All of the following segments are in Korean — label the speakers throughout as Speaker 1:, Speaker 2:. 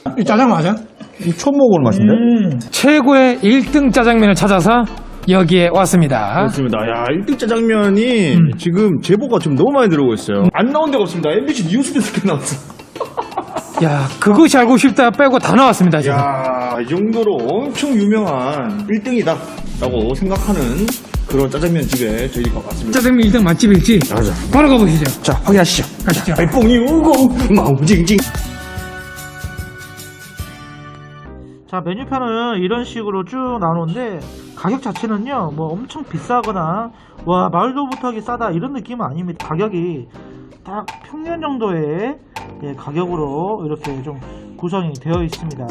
Speaker 1: 이 짜장 맞아?
Speaker 2: 이 처음 먹어보는 맛인데?
Speaker 1: 최고의 1등 짜장면을 찾아서 여기에 왔습니다.
Speaker 2: 그렇습니다. 야, 1등 짜장면이 지금 제보가 좀 너무 많이 들어오고 있어요. 안 나온 데가 없습니다. MBC 뉴스데스크에 나왔어.
Speaker 1: 야, 그것이 알고 싶다 빼고 다 나왔습니다, 지금.
Speaker 2: 야, 이 정도로 엄청 유명한 1등이다 라고 생각하는 그런 짜장면 집에 저희가 왔습니다.
Speaker 1: 짜장면 1등 맛집일지
Speaker 2: 맞아.
Speaker 1: 바로 가보시죠.
Speaker 2: 자, 확인하시죠.
Speaker 1: 가시죠.
Speaker 2: 뽕이 우고 마우징징.
Speaker 3: 자, 메뉴판은 이런 식으로 쭉 나오는데 가격 자체는요 뭐 엄청 비싸거나 와 말도 못하게 싸다 이런 느낌은 아닙니다. 가격이 딱 평년 정도의 가격으로 이렇게 좀 구성이 되어 있습니다.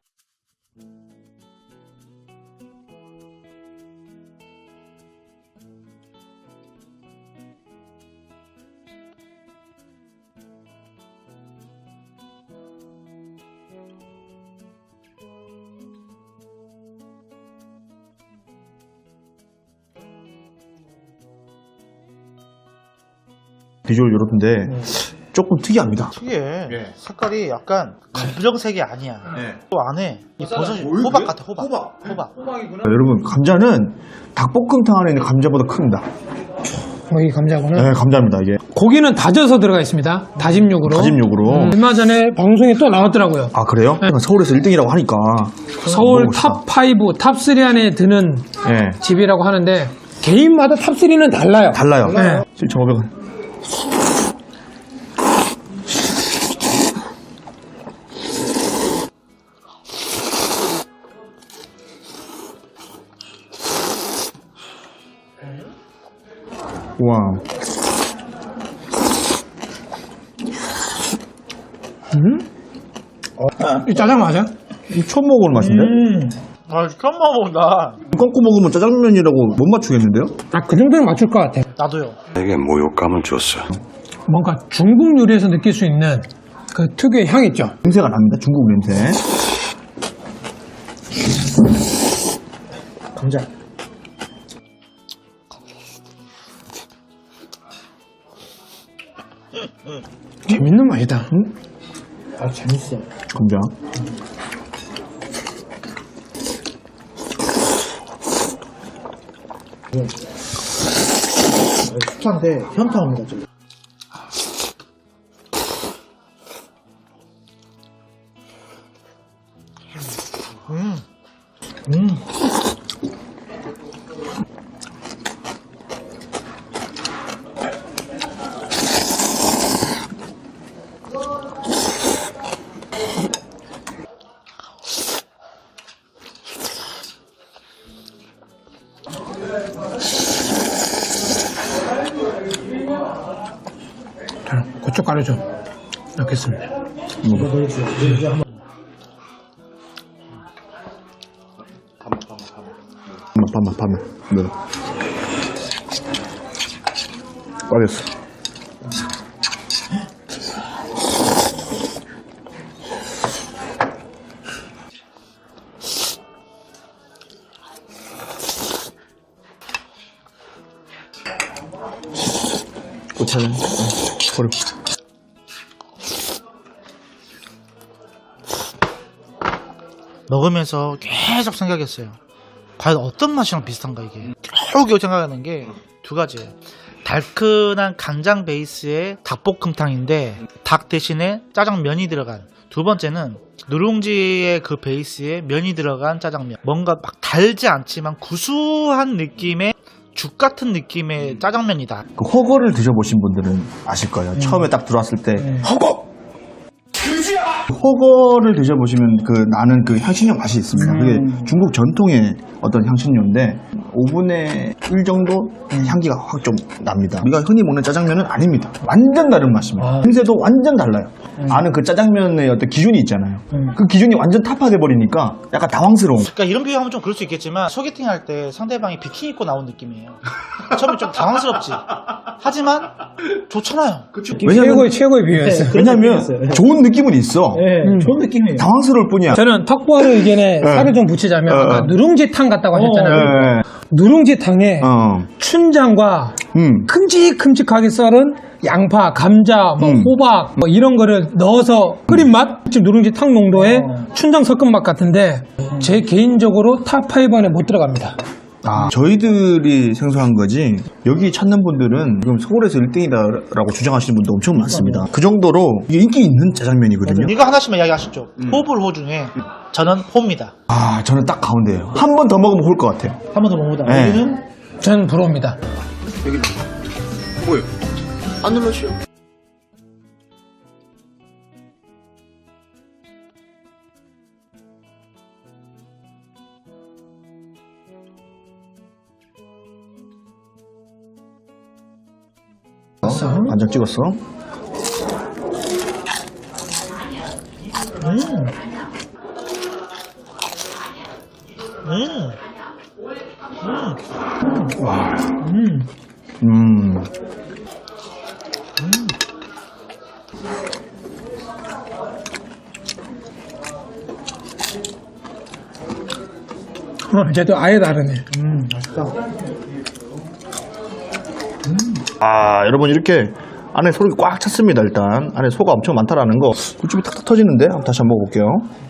Speaker 2: 비주얼 이렇던데 조금 특이합니다.
Speaker 3: 특이해.
Speaker 2: 예.
Speaker 3: 색깔이 약간 검정색이 아니야.
Speaker 2: 네.
Speaker 3: 또 안에 이 버섯이
Speaker 2: 뭐예요,
Speaker 3: 호박
Speaker 2: 그게?
Speaker 3: 같아. 호박.
Speaker 2: 여러분, 감자는 닭볶음탕 안에 있는 감자보다 큽니다.
Speaker 1: 이 감자구나.
Speaker 2: 네, 감자입니다, 이게.
Speaker 1: 고기는 다져서 들어가 있습니다. 다짐 육으로.
Speaker 2: 다짐 육으로.
Speaker 1: 얼마 전에 방송에 또 나왔더라고요.
Speaker 2: 아, 그래요?
Speaker 1: 네.
Speaker 2: 서울에서 1등이라고 하니까.
Speaker 1: 서울
Speaker 2: 먹어봅시다.
Speaker 1: 탑5, 탑3 안에 드는
Speaker 2: 예.
Speaker 1: 집이라고 하는데 개인마다 탑3는 달라요.
Speaker 2: 달라요.
Speaker 1: 네.
Speaker 2: 7,500원. 와.
Speaker 1: 이 짜장 맞아?
Speaker 2: 이 처음 먹어보는 맛인데?
Speaker 3: 아, 처음 먹어본다.
Speaker 2: 꺾고 먹으면 짜장면이라고 못 맞추겠는데요?
Speaker 1: 딱 그 정도는 맞출 것 같아.
Speaker 3: 나도요.
Speaker 4: 내게 모욕감을 줬어.
Speaker 1: 뭔가 중국 요리에서 느낄 수 있는 그 특유의 향 있죠?
Speaker 2: 냄새가 납니다. 중국 냄새.
Speaker 3: 감자.
Speaker 1: 재밌는 맛이다.
Speaker 3: 아, 재밌어.
Speaker 2: 감자.
Speaker 3: 숙사인데 현타 옵니다, 지금.
Speaker 1: 자, 고춧가루 좀 넣겠습니다.
Speaker 2: 반만. 네. 빠졌어. 고추는 버려.
Speaker 3: 먹으면서 계속 생각했어요. 과연 어떤 맛이랑 비슷한가 이게. 겨우겨우 생각하는 게 두 가지예요. 달큰한 간장 베이스의 닭볶음탕인데 닭 대신에 짜장면이 들어간. 두 번째는 누룽지의 그 베이스에 면이 들어간 짜장면. 뭔가 막 달지 않지만 구수한 느낌의 죽 같은 느낌의 짜장면이다.
Speaker 2: 그 허거를 드셔보신 분들은 아실 거예요. 처음에 딱 들어왔을 때 허거! 허거를 드셔보시면 그 나는 그 향신료 맛이 있습니다. 그게 중국 전통의 어떤 향신료인데 5분의 1 정도 향기가 확 좀 납니다. 우리가 흔히 먹는 짜장면은 아닙니다. 완전 다른 맛입니다. 냄새도 완전 달라요. 아는 그 짜장면의 어떤 기준이 있잖아요. 그 기준이 완전 타파돼 버리니까 약간 당황스러운.
Speaker 3: 그러니까 이런 비유하면 좀 그럴 수 있겠지만 소개팅 할 때 상대방이 비키니 입고 나온 느낌이에요. 처음에 좀 당황스럽지. 하지만 좋잖아요.
Speaker 2: 왜냐면
Speaker 1: 최고의 비유였어요.
Speaker 2: 왜냐면 좋은 느낌은 있어.
Speaker 3: 좋은 느낌이에요.
Speaker 2: 당황스러울 뿐이야.
Speaker 1: 저는 턱보하는 의견에 살을 좀 붙이자면 아까 누룽지탕 같다고 하셨잖아요. 누룽지탕에 춘장과 큼직큼직하게 썰은 양파, 감자, 뭐 호박 뭐 이런 거를 넣어서 끓인 맛? 지금 누룽지 탕 농도의 춘장 섞은 맛 같은데 제 개인적으로 탑5 안에 못 들어갑니다.
Speaker 2: 저희들이 생소한 거지 여기 찾는 분들은 지금 서울에서 1등이다라고 주장하시는 분도 엄청 많습니다. 그 정도로 이게 인기 있는 짜장면이거든요.
Speaker 3: 이거 하나씩만 이야기하셨죠. 호불호 중에 저는 호입니다.
Speaker 2: 저는 딱 가운데예요. 한 번 더 먹으면 홀 것 같아요.
Speaker 3: 한 번 더 먹어보다.
Speaker 2: 네.
Speaker 3: 여기는
Speaker 1: 저는 부러웁니다.
Speaker 2: 뭐요? 안 눌러주요? 간장 찍었어. 와.
Speaker 1: 쟤도 아예 다르네.
Speaker 3: 맛있다.
Speaker 2: 여러분 이렇게 안에 소고기 꽉 찼습니다. 일단 안에 소가 엄청 많다라는 거. 굴집이 탁탁 터지는데 한번 다시 한번 먹어볼게요.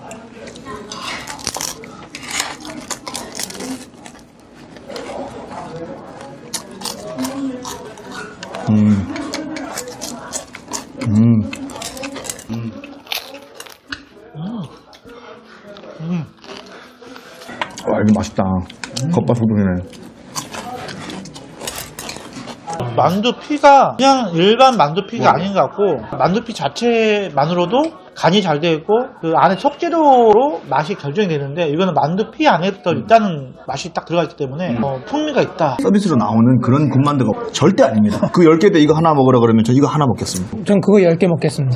Speaker 2: 와 이거 맛있다. 겉바속촉이네.
Speaker 3: 만두피가 그냥 일반 만두피가 아닌 것 같고 만두피 자체만으로도 간이 잘 되어 있고 그 안에 속재료로 맛이 결정이 되는데 이거는 만두피 안에 또 있다는 맛이 딱 들어가 있기 때문에 풍미가 있다.
Speaker 2: 서비스로 나오는 그런 군만두가 절대 아닙니다. 그 10개 대 이거 하나 먹으라 그러면 저 이거 하나 먹겠습니다.
Speaker 1: 전 그거 10개 먹겠습니다.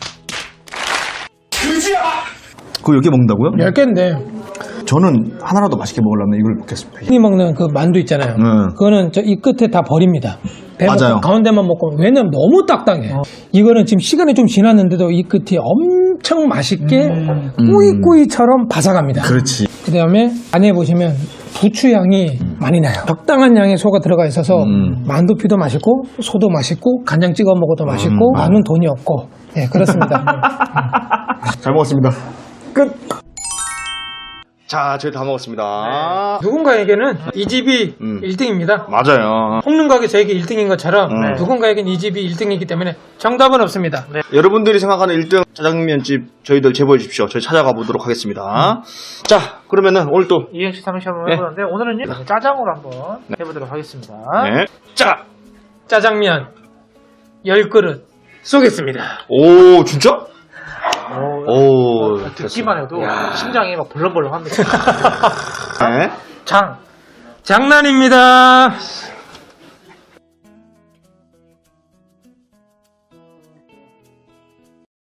Speaker 2: 그거 10개 먹는다고요?
Speaker 1: 10개인데
Speaker 2: 저는 하나라도 맛있게 먹으려면 이걸 먹겠습니다.
Speaker 1: 흔히 먹는 그 만두 있잖아요. 그거는 저 이 끝에 다 버립니다. 배
Speaker 2: 맞아요.
Speaker 1: 먹고 가운데만 먹고 왜냐면 너무 딱딱해. 이거는 지금 시간이 좀 지났는데도 이 끝이 엄청 맛있게 꾸이꾸이처럼 바삭합니다.
Speaker 2: 그렇지.
Speaker 1: 그 다음에 안에 보시면 부추 향이 많이 나요. 적당한 양의 소가 들어가 있어서 만두피도 맛있고 소도 맛있고 간장 찍어 먹어도 맛있고 나는 돈이 없고 네 그렇습니다.
Speaker 2: 잘 먹었습니다. 끝. 자, 저희 다 먹었습니다.
Speaker 1: 누군가에게는 이 집이 1등입니다.
Speaker 2: 맞아요.
Speaker 1: 홍릉각이 저에게 1등인 것처럼 누군가에게는 이 집이 1등이기 때문에 정답은 없습니다.
Speaker 2: 여러분들이 생각하는 1등 짜장면집 저희들 제보해 주십시오. 저희 찾아가 보도록 하겠습니다. 자, 그러면은 오늘 또
Speaker 3: 이행시 삼행시 한번 해보는데 오늘은요 짜장으로 한번 해보도록 하겠습니다.
Speaker 2: 네. 짜.
Speaker 1: 짜장면 10그릇 쏘겠습니다.
Speaker 2: 오, 진짜? 오,
Speaker 3: 듣기만 해도 심장이 막 벌렁벌렁합니다.
Speaker 2: 네.
Speaker 1: 장난입니다.